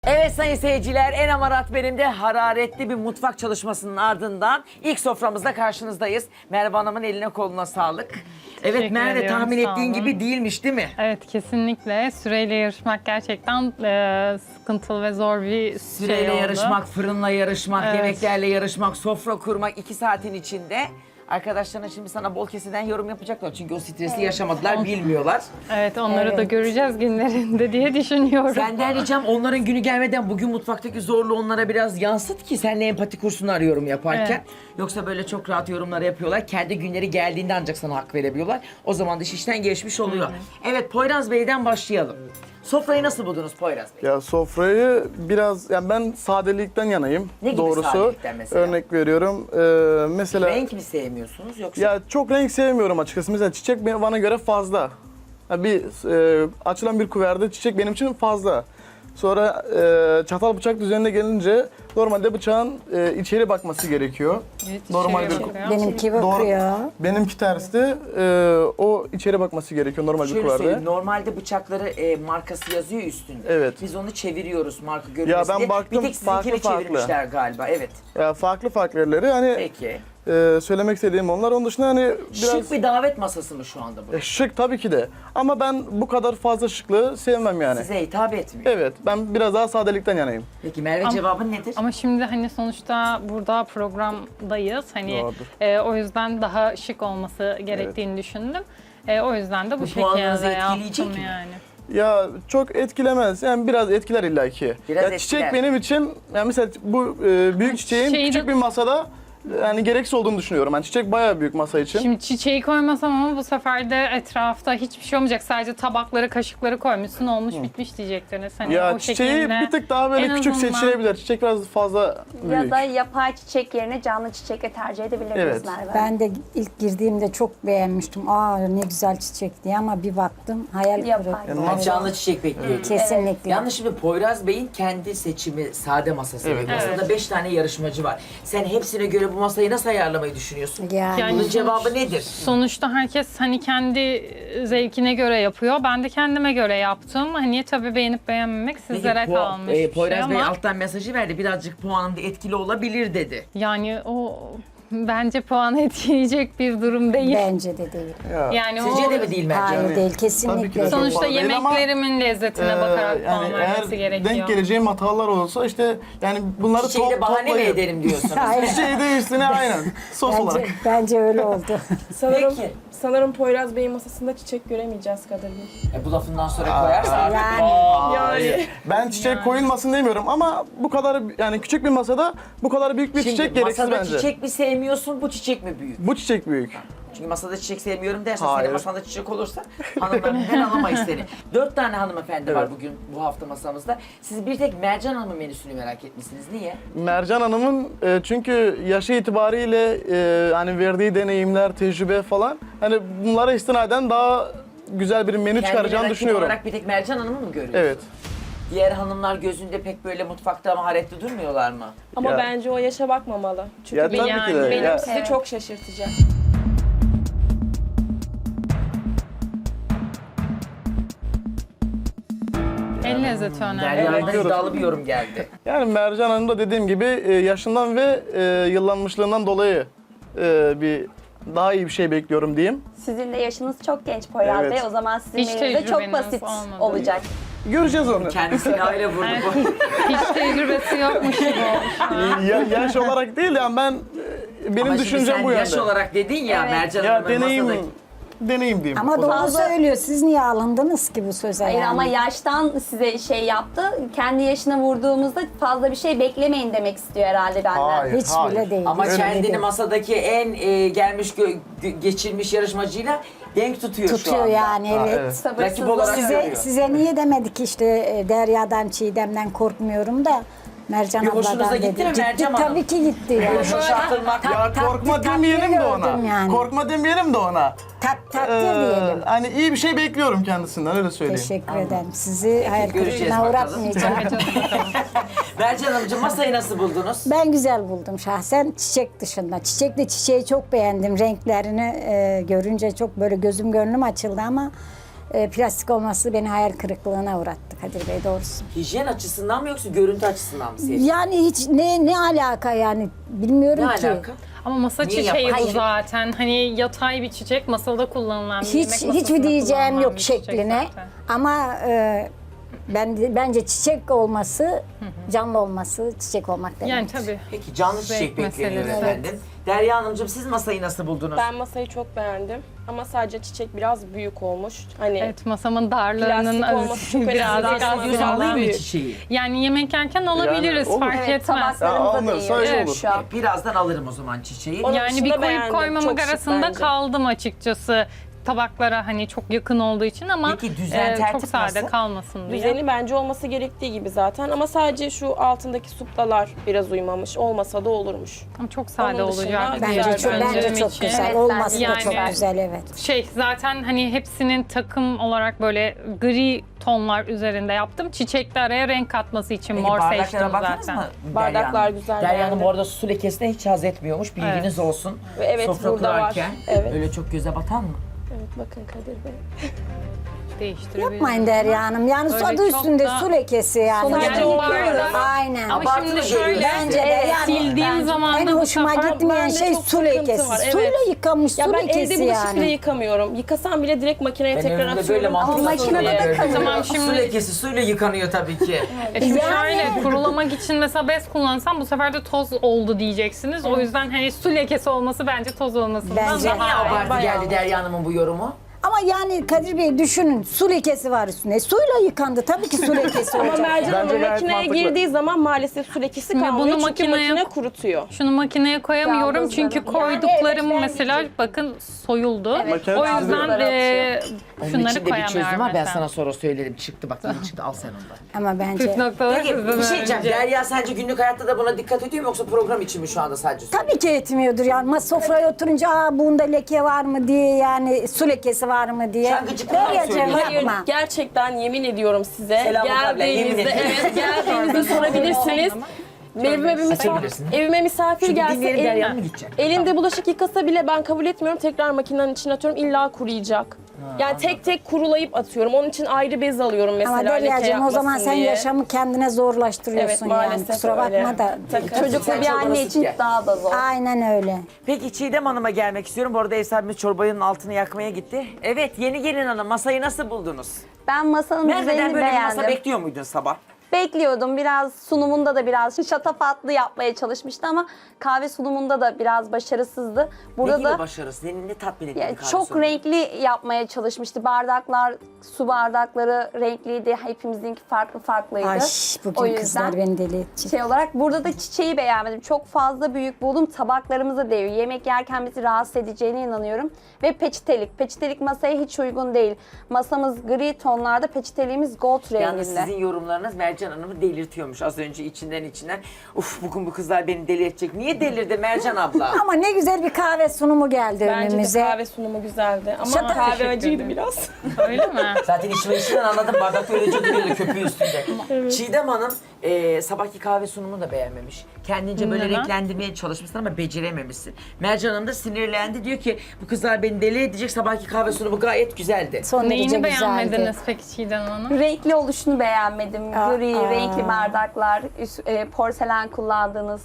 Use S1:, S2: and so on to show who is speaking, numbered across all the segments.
S1: Evet sayın seyirciler, en amarat benim de hararetli bir mutfak çalışmasının ardından ilk soframızda karşınızdayız. Merve Hanım'ın eline koluna sağlık. Evet
S2: Teşekkür
S1: Merve,
S2: ediyorum,
S1: tahmin
S2: sağ
S1: ettiğin
S2: olun.
S1: gibi değilmiş değil mi?
S2: Evet, kesinlikle. Süreyle yarışmak gerçekten sıkıntılı ve zor bir
S1: Süreyle
S2: şey oldu.
S1: yarışmak, fırınla yarışmak,
S2: Evet.
S1: yemeklerle yarışmak, sofra kurmak 2 saatin içinde. Arkadaşlarına şimdi sana bol keseden yorum yapacaklar çünkü o stresi yaşamadılar, bilmiyorlar.
S2: Evet, onları da göreceğiz günlerinde diye düşünüyorum.
S1: Senden ricam onların günü gelmeden bugün mutfaktaki zorluğu onlara biraz yansıt ki seninle empati kursunlar yorum yaparken.
S2: Evet.
S1: Yoksa böyle çok rahat yorumlar yapıyorlar. Kendi günleri geldiğinde ancak sana hak verebiliyorlar. O zaman da iş işten geçmiş oluyor. Evet, Poyraz Bey'den başlayalım. Sofrayı nasıl buldunuz Poyraz Bey?
S3: Ya sofrayı biraz, yani ben sadelikten yanayım.
S1: Ne gibi
S3: doğrusu.
S1: sadelikten mesela?
S3: Örnek veriyorum. Mesela
S1: Renk mi sevmiyorsunuz yoksa?
S3: ya çok renk sevmiyorum açıkçası. Mesela çiçek bana göre fazla. Ya açılan bir kuverde çiçek benim için fazla. Sonra çatal bıçak düzenine gelince normalde bıçağın içeri bakması gerekiyor.
S2: Evet,
S3: normal
S2: içeriye
S3: bir
S2: bakıyor.
S4: Benimki
S3: Doğru.
S4: bakıyor.
S3: Benimki tersti. O içeri bakması gerekiyor normal bir
S1: Şöyle
S3: kuverde.
S1: söyleyeyim, normalde bıçakları markası yazıyor üstünde.
S3: Evet.
S1: Biz onu çeviriyoruz marka görünmesin
S3: ben
S1: diye.
S3: baktım,
S1: Bir tek sizinkini
S3: farklı.
S1: çevirmişler galiba, evet.
S3: Ya farklı yerleri hani
S1: Peki.
S3: söylemek istediğim onlar. Onun dışında hani biraz
S1: Şık bir davet masası mı şu anda bu?
S3: şık tabii ki de. Ama ben bu kadar fazla şıklığı sevmem yani.
S1: Size hitap etmiyor.
S3: Evet, ben biraz daha sadelikten yanayım.
S1: Peki Merve, cevabın nedir?
S2: Ama şimdi hani sonuçta burada programdayız. Hani
S3: Doğrudur.
S2: o yüzden daha şık olması gerektiğini düşündüm. O yüzden de bu
S1: puanınızı
S2: şekilde
S1: etkileyecek
S2: yaptım
S1: mi?
S2: yani.
S3: Ya çok etkilemez. Yani biraz etkiler illaki.
S1: Biraz
S3: Ya çiçek
S1: etkiler.
S3: benim için, yani mesela bu büyük çiçeğin
S2: Şeyi
S3: küçük
S2: de-
S3: bir masada yani gereksiz olduğunu düşünüyorum. Yani çiçek bayağı büyük masa için.
S2: Şimdi çiçeği koymasam ama bu sefer de etrafta hiçbir şey olmayacak. Sadece tabakları, kaşıkları koymuşsun, olmuş bitmiş diyecektiniz. Hani
S3: ya
S2: o
S3: çiçeği
S2: şekilde
S3: bir tık daha böyle
S2: en
S3: küçük
S2: azından-
S3: seçilebilir. Çiçek biraz fazla büyük.
S5: Ya da yapay çiçek yerine canlı çiçekle tercih edebiliriz
S3: Evet.
S5: Merve.
S4: Ben de ilk girdiğimde çok beğenmiştim. Aa ne güzel çiçek diye ama bir baktım hayal
S5: Yapay.
S4: kırıklığı.
S3: Yani
S1: Canlı çiçek bekliyorum.
S4: Kesinlikle.
S1: Yalnız şimdi Poyraz Bey'in kendi seçimi sade masası.
S3: Evet.
S1: Masada
S2: Evet.
S1: 5 tane yarışmacı var. Sen hepsine göre bu masayı nasıl ayarlamayı düşünüyorsun?
S4: Yani
S1: Bunun cevabı nedir?
S2: Sonuçta herkes hani kendi zevkine göre yapıyor. Ben de kendime göre yaptım. Hani tabii beğenip beğenmemek sizlere
S1: Peki,
S2: kalmış bir şey
S1: Poyraz Bey
S2: ama
S1: alttan mesajı verdi. Birazcık puanımda etkili olabilir dedi.
S2: yani o bence puanı etkileyecek bir durum değil.
S4: bence de değil.
S3: Ya.
S2: Yani
S1: Sizce
S2: o
S1: de mi değil bence?
S4: Hayır değil
S3: Tabii ki de
S4: kesinlikle.
S3: çok
S2: sonuçta
S3: fazla değil ama,
S2: yemeklerimin lezzetine bakarak puan
S3: yani
S2: vermesi
S3: eğer
S2: gerekiyor.
S3: denk geleceğim hatalar olsa işte yani bunları
S1: Çiçeği de bahane mi
S3: toplayıp
S1: ederim diyorsunuz?
S4: Hayır.
S3: çiçeği de üstüne aynen sos
S4: Bence,
S3: olarak.
S4: bence öyle oldu.
S1: Peki.
S6: Sanırım Poyraz Bey'in masasında çiçek göremeyeceğiz Kadir Bey.
S1: Bu lafından sonra koyarsa artık.
S4: Yani.
S3: Ben çiçek koyulmasın demiyorum ama bu kadar yani küçük bir masada bu kadar büyük bir
S1: Şimdi
S3: çiçek gereksiz
S1: masada
S3: bence.
S1: çiçek mi sevmiyorsun, bu çiçek mi büyük?
S3: Bu çiçek büyük.
S1: Çünkü masada çiçek sevmiyorum dersen,
S3: Hayır.
S1: senin masanda çiçek olursa hanımlarından alamayız seni. 4 tane hanımefendi var
S3: Evet.
S1: bugün bu hafta masamızda. Siz bir tek Mercan Hanım'ın menüsünü merak etmişsiniz. Niye?
S3: Mercan Hanım'ın çünkü yaşı itibariyle hani verdiği deneyimler, tecrübe falan hani bunlara istinaden daha güzel bir menü
S1: Kendini
S3: çıkaracağını
S1: rakip
S3: düşünüyorum.
S1: olarak bir tek Mercan Hanım'ı mı görüyorsun?
S3: Evet.
S1: Diğer hanımlar gözünde pek böyle mutfakta maharetli durmuyorlar mı?
S6: Ama
S3: Ya.
S6: bence o yaşa bakmamalı. Çünkü
S3: Ya tabii
S2: Yani
S3: ki de.
S6: benim
S3: Ya,
S6: sizi çok şaşırtacak.
S2: El lezzeti önemli.
S1: Derya'dan
S3: bakıyoruz.
S1: iddialı bir yorum geldi.
S3: yani Mercan Hanım da dediğim gibi yaşından ve yıllanmışlığından dolayı bir daha iyi bir şey bekliyorum diyeyim.
S5: Sizin de yaşınız çok genç Poyraz
S3: Evet.
S5: Bey. O zaman sizin
S2: Hiç
S5: menünüz de çok
S2: tecrübeniz
S5: basit
S2: olmadı.
S5: olacak.
S3: Göreceğiz onu.
S1: Kendisini öyle vurdu bu.
S2: Hiç tecrübesi yokmuş gibi olmuş.
S3: Yaş olarak değil yani ben benim
S1: Ama şimdi
S3: düşüncem
S1: sen
S3: bu
S1: yaş
S3: yönde.
S1: olarak dedin ya,
S5: Evet.
S1: Mercan
S3: Ya
S1: Hanım'ın
S3: deneyim
S1: masadaki...
S3: diyeyim.
S4: Ama
S3: o
S4: doğru
S3: zaman.
S4: söylüyor. Siz niye alındınız ki bu söze
S5: Hayır
S4: yani?
S5: ama yaştan size şey yaptı. Kendi yaşına vurduğumuzda fazla bir şey beklemeyin demek istiyor herhalde benden.
S3: Hayır.
S4: Hiç bile değil.
S1: Ama
S4: hiç bile
S1: kendini
S4: değil.
S1: masadaki en gelmiş geçirmiş yarışmacıyla denk tutuyor, şu
S4: tutuyor
S1: anda.
S4: yani evet.
S3: evet.
S1: Rakip olarak
S5: Sabırsızlanıyor.
S1: görüyor.
S4: Size niye demedik işte Derya'dan, Çiğdem'den korkmuyorum da Mercan
S1: Bir hoşunuza
S4: abladan
S1: gitti
S4: dedi.
S1: mi Mercan Hanım?
S4: Tabii ki gitti yani.
S1: Böyle şaşırtılmak.
S3: Ya korkma
S4: takdir
S3: demeyelim de ona.
S4: gördüm yani.
S3: Korkma demeyelim de ona.
S4: Takdir diyelim.
S3: Hani iyi bir şey bekliyorum kendisinden öyle söyleyeyim.
S4: Teşekkür ederim. Sizi hayal
S1: göreceğiz
S4: kırıklığına
S1: bakalım.
S4: uğratmayacağım.
S1: Mercan Hanımcığım, masayı nasıl buldunuz?
S4: Ben güzel buldum şahsen çiçek dışında. Çiçekle çiçeği çok beğendim. Renklerini görünce çok böyle gözüm gönlüm açıldı ama plastik olması beni hayal kırıklığına uğrattı Kadir Bey doğrusu.
S1: Hijyen açısından mı yoksa görüntü açısından mı sevdin?
S4: Yani hiç ne alaka yani bilmiyorum
S1: Ne
S4: ki.
S1: alaka?
S2: Ama masa
S1: Niye
S2: çiçeği
S1: yapar?
S2: bu
S1: Hayır.
S2: zaten. Hani yatay bir çiçek, masada kullanılan bir yemek
S4: Hiç
S2: masasında
S4: hiçbir diyeceğim
S2: kullanılan
S4: yok
S2: bir çiçek
S4: şekline.
S2: zaten.
S4: Ama bence çiçek olması, canlı olması çiçek olmak demek.
S2: Yani tabii.
S1: Peki canlı çiçek
S2: Zevk
S1: bekleniyor
S2: meselesi.
S1: efendim. Derya Hanımcığım siz masayı nasıl buldunuz?
S6: Ben masayı çok beğendim. Ama sadece çiçek biraz büyük olmuş. Hani
S2: Evet, masamın darlığının
S6: Plastik olması çok önemli.
S2: birazcık
S6: Biraz
S2: az
S1: Göz
S6: biraz
S1: alayım mı
S6: büyük.
S1: çiçeği?
S2: Yani yemek yerken alabiliriz,
S3: olur.
S2: fark
S5: Evet,
S2: etmez.
S5: tabaklarımıza
S3: Ya,
S5: değiyor
S3: sadece
S5: evet,
S3: olur.
S5: şu an.
S1: Birazdan alırım o zaman çiçeği.
S6: Onun
S2: Yani bir
S6: dışında
S2: koyup
S6: beğendim.
S2: koymamak
S6: Çok şık
S2: arasında
S6: bence.
S2: kaldım açıkçası. Tabaklara hani çok yakın olduğu için ama
S1: Peki düzen,
S2: çok
S1: tertip
S2: sade
S1: nasıl?
S2: kalmasın diye.
S6: Düzeni bence olması gerektiği gibi zaten ama sadece şu altındaki suplalar biraz uymamış. Olmasa da olurmuş.
S2: Ama çok sade
S6: Onun dışında
S2: olacak.
S6: güzel
S2: diye
S4: Bence çok,
S2: düşündüğüm
S4: çok
S2: için.
S4: güzel.
S5: Evet,
S4: Olması
S5: bence
S4: da
S2: de
S4: çok
S2: yani-
S4: güzel evet.
S2: Zaten hani hepsinin takım olarak böyle gri tonlar üzerinde yaptım. Çiçekli araya renk katması için
S1: Peki
S2: mor
S1: bardaklara
S2: seçtim
S1: baktınız
S2: zaten.
S1: mı?
S6: Bardaklar
S1: Derya Hanım?
S6: güzel,
S1: Derya Hanım
S6: beğendim.
S1: bu arada su lekesine hiç haz etmiyormuş. Bilginiz olsun.
S6: Ve evet,
S1: Sofra
S6: burada var.
S1: kurarken
S6: Evet.
S1: öyle çok göze batan mı?
S6: Evet bakın Kadir Bey.
S2: Değiştirebilirim.
S4: Yapmayın Derya Hanım. Yani
S2: Öyle
S4: adı
S2: çok
S4: üstünde
S2: da-
S4: su lekesi yani.
S5: Sonuçta
S2: Yani
S5: yıkıyoruz.
S4: Aynen.
S2: Ama
S1: Abartılı
S2: şimdi
S1: geliyor
S2: şöyle
S4: Bence de yani
S2: sildiğim zaman
S4: en
S2: da bu
S4: hoşuma
S2: sefer
S4: gitmeyen
S6: bende
S4: şey
S6: çok
S4: su
S6: sıkıntı
S4: lekesi.
S6: var, evet.
S4: Suyla yıkanmış
S6: Ya
S4: su
S6: ben evde
S4: lekesi
S6: bulaşık bile
S4: yani.
S6: yıkamıyorum. Yıkasam bile direkt makineye
S1: Ben
S6: tekrar
S1: önümde böyle
S6: atıyorum.
S1: mantıklı
S5: makinede de
S1: gördüm.
S5: kalıyor.
S2: Tamam,
S1: Su
S2: şimdi-
S1: lekesi suyla yıkanıyor tabii ki.
S2: Şimdi
S4: Yani-
S2: şöyle kurulamak için mesela bez kullansam bu sefer de toz oldu diyeceksiniz. O yüzden hani su lekesi olması bence toz olmasından
S4: Bence-
S2: daha
S1: Niye abartı
S6: bayağı.
S1: geldi Derya Hanım'ın bu yorumu?
S4: Ama yani Kadir Bey düşünün su lekesi var üstünde. Suyla yıkandı tabii ki su lekesi
S6: Ama
S4: olacak.
S6: Mercan Hanım
S3: Bence gayet
S6: makineye
S3: mantıklı.
S6: girdiği zaman maalesef su lekesi
S2: Şimdi
S6: kalmıyor.
S2: bunu
S6: Çünkü
S2: makineye-
S6: makine kurutuyor.
S2: Şunu makineye koyamıyorum
S5: Yalnız
S2: çünkü
S5: yani
S2: koyduklarım
S5: evet,
S2: mesela bakın soyuldu.
S3: Makine
S2: O yüzden
S1: Onun
S2: şunları
S1: içinde bir çözüm
S2: koyamıyorum
S1: var. Ben
S2: mesela.
S1: sana sonra söyledim. Çıktı bak yeni çıktı. Al sen onu da.
S4: Ama bence
S2: Püf noktaları
S1: Peki
S2: sizden
S1: bir şey diyeceğim.
S2: önce.
S1: Derya sence günlük hayatta da buna dikkat ediyor mu yoksa program için mi şu anda sadece?
S4: tabii ki etmiyordur yani. Sofraya oturunca bunda leke var mı diye yani su lekesi var mı diye.
S1: Sen gıcıklıkla
S4: Deryacığım
S1: söylüyorsun.
S6: Hayır,
S4: yapma.
S6: gerçekten yemin ediyorum size.
S1: Selam abla, yemin
S6: Geldiğinizde,
S1: ediyorum.
S6: evet geldiğinizde sorabilirsiniz.
S1: Açabilirsin.
S6: Evime misafir
S1: Çünkü
S6: gelse
S1: dinleyelim Derya'nın mı gidecek?
S6: elinde bulaşık yıkasa bile ben kabul etmiyorum. Tekrar makinenin içine atıyorum. İlla kuruyacak. Yani tek tek kurulayıp atıyorum. Onun için ayrı bez alıyorum mesela.
S4: Ama
S6: leke
S4: Deryacığım o zaman
S6: yapmasın
S4: sen
S6: diye.
S4: yaşamı kendine zorlaştırıyorsun
S6: Evet,
S4: yani.
S6: maalesef
S4: Kusura bakma
S6: öyle.
S4: da.
S6: Tabii,
S5: Çocuklu
S1: Sen
S5: bir
S1: çorbanı
S5: anne
S1: sık
S5: için
S1: gel.
S5: daha da zor.
S4: Aynen öyle.
S1: Peki Çiğdem Hanım'a gelmek istiyorum. Bu arada ev sahibimiz çorbanın altını yakmaya gitti. Evet yeni gelin hanım masayı nasıl buldunuz?
S5: Ben masanın
S1: Nereden
S5: düzenini
S1: böyle bir masa
S5: beğendim.
S1: bekliyor muydun sabah?
S5: Bekliyordum. Biraz sunumunda da biraz şatafatlı yapmaya çalışmıştı ama kahve sunumunda da biraz başarısızdı. Burada
S1: ne gibi
S5: da
S1: başarısı? Ne tatmin etti?
S5: yani
S1: kahve
S5: çok
S1: sunumu?
S5: renkli yapmaya çalışmıştı. Bardaklar, su bardakları renkliydi. Hepimizinki farklı farklıydı.
S4: Ay
S5: O
S4: bugün
S5: yüzden
S4: kızlar beni deli edecek.
S5: şey olarak burada da çiçeği beğenmedim. Çok fazla büyük buldum. Tabaklarımıza değiyor. Yemek yerken bizi rahatsız edeceğine inanıyorum. Ve peçetelik. Peçetelik masaya hiç uygun değil. Masamız gri tonlarda, peçeteliğimiz gold
S1: Yalnız
S5: renginde.
S1: sizin yorumlarınız Mercan Hanım'ı delirtiyormuş az önce içinden. Uf bugün bu kızlar beni deli edecek. Niye delirdi Mercan abla?
S4: Ama ne güzel bir kahve sunumu geldi
S6: Bence de
S4: önümüze.
S6: kahve sunumu güzeldi. Ama
S4: Şaka-
S6: kahve
S2: Teşekkür
S6: acıydı
S2: ederim.
S6: biraz.
S2: Öyle mi?
S1: Zaten içinden anladım. Bardakta öylece duruyordu köpüğü üstünde. Çiğdem Hanım sabahki kahve sunumunu da beğenmemiş. Kendince böyle
S2: Neden?
S1: renklendirmeye çalışmışsın ama becerememişsin. Mercan Hanım da sinirlendi. Diyor ki bu kızlar beni deli edecek. Sabahki kahve sunumu gayet güzeldi.
S4: Son derece
S2: Neyini
S4: güzeldi.
S2: beğenmediniz peki Çiğdem Hanım?
S5: Renkli oluşunu beğenmedim. Gri,
S4: Aa.
S5: renkli bardaklar, porselen kullandığınız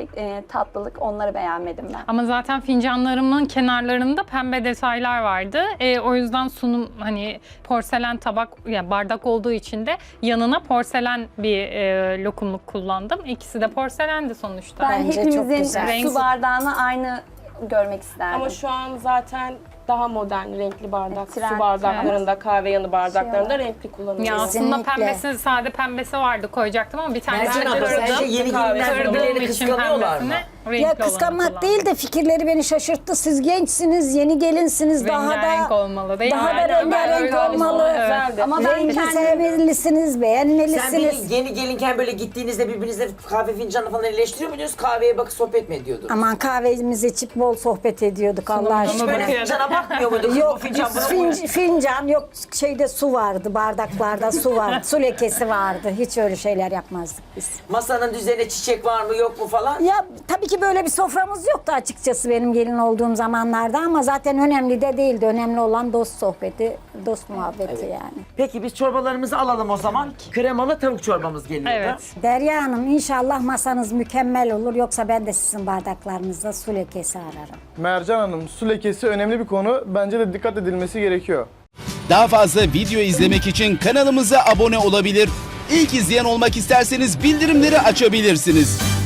S5: tatlılık onları beğenmedim ben.
S2: Ama zaten fincanlarımın kenarlarında pembe detaylar vardı. O yüzden sunum hani porselen tabak yani bardak olduğu için de yanına porselen bir lokumluk kullandım. İkisi de porselendi sonuçta.
S5: Ben
S4: Bence çok
S5: hepimizin
S4: güzel.
S2: Renk-
S5: su bardağını aynı görmek isterdim.
S6: Ama şu an zaten daha modern renkli bardak.
S5: Trend,
S6: Su bardaklarında, kahve yanı bardaklarında
S5: Şey
S6: renkli kullanılıyor.
S2: Ya aslında
S4: Kesinlikle.
S2: pembesi, sade pembesi vardı koyacaktım ama bir tane
S1: Mercan abla sence yeni gelinler
S2: Kırdığım
S1: birbirlerini
S2: için
S1: kıskanıyorlar mı?
S2: pembesini renkli
S4: Ya
S2: olanı
S4: kıskanmak
S2: kullandım.
S4: değil de fikirleri beni şaşırttı. Siz gençsiniz, yeni gelinsiniz. Daha
S2: Rengarenk
S4: da
S2: olmalı değil mi?
S4: daha da
S2: Aynen,
S4: rengarenk
S2: öyle olmalı.
S4: olmalı.
S2: Evet.
S6: Güzeldi.
S5: Ama ben
S4: Rengi
S5: kendim
S4: sevmelisiniz,
S1: Sen
S4: beğenmelisiniz.
S1: beni yeni gelinken böyle gittiğinizde birbirinizle kahve fincanı falan eleştiriyor muydunuz? Kahveye bakıp sohbet mi ediyordunuz?
S4: Aman kahvemizi içip bol sohbet ediyorduk Allah
S1: Hiç
S4: aşkına.
S1: böyle
S2: bakıyorum.
S1: fincana bakmıyor muyduk?
S4: Yok
S1: Bu fincan bunu mu?
S4: fincan yok şeyde su vardı bardaklarda su vardı su lekesi vardı hiç öyle şeyler yapmazdık biz.
S1: Masanın düzenine çiçek var mı yok mu falan?
S4: Ya tabii ki böyle bir soframız yoktu açıkçası benim gelin olduğum zamanlarda ama zaten önemli de değildi. Önemli olan dost sohbeti, Dost muhabbeti yani.
S1: Peki biz çorbalarımızı alalım o zaman. Kremalı tavuk çorbamız geliyor
S2: Evet.
S1: da.
S4: Derya Hanım inşallah masanız mükemmel olur. Yoksa ben de sizin bardaklarınızda su lekesi ararım.
S3: Mercan Hanım, su lekesi önemli bir konu. Bence de dikkat edilmesi gerekiyor.
S7: Daha fazla video izlemek için kanalımıza abone olabilir. İlk izleyen olmak isterseniz bildirimleri açabilirsiniz.